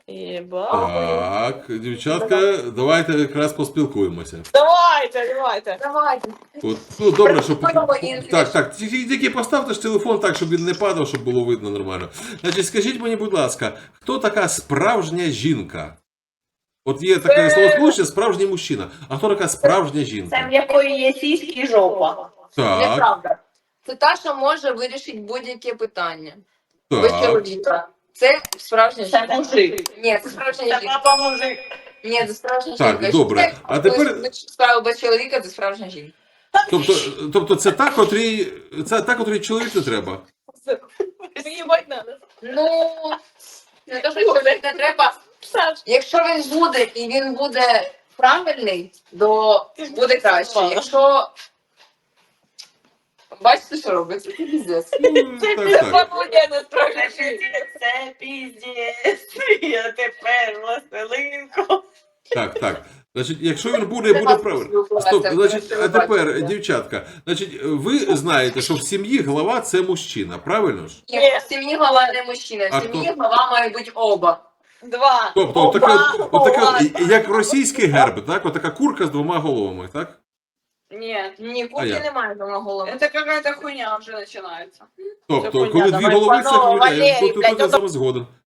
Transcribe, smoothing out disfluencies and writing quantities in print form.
Єба. Так, дівчатка, давайте якраз поспілкуємося. Давайте. От, ну, добре, щоб... Ой, Так, тільки поставте ж телефон так, щоб він не падав, щоб було видно нормально. Значить, скажіть мені, будь ласка, хто така справжня жінка? От є таке словосполучення «справжній мужчина». А хто така справжня Це жінка? в якої є сіськи і жопа. Так, Неправда. Це та, що може вирішити будь-яке питання. Без так. чоловіка. Це справжня Це жінка. мужик. Ні, це справжня Це жінка. папа мужик. Ні, це справжня Так, жінка. добре. Якщо А тепер- справа без чоловіка, це справжня жінка. Тобто це та, котрій чоловік не треба? Їбать надо. Ну, не то, що чоловік не треба. Якщо він буде і він буде правильний, то буде краще. Якщо... Бачите, що робиться? Це піздець. Так. Це піздець. Я тепер властелинку. Так. Значить, якщо він буде правильно. Стоп, значить, а тепер, дівчатка, значить, ви знаєте, що в сім'ї глава це мужчина, правильно ж? Ні, в сім'ї глава не мужчина, А в сім'ї хто? глава має бути оба. Два. Тобто, як російський герб, так? Отака курка з двома головами, так? Ні. Ні, А курки як? немає дома голови. Это какая-то хуйня вже починається. Тобто, Це коли хуйня, дві давай голови, це по-новому, хуйня. Валерій, Тут блядь, я з вами згоден.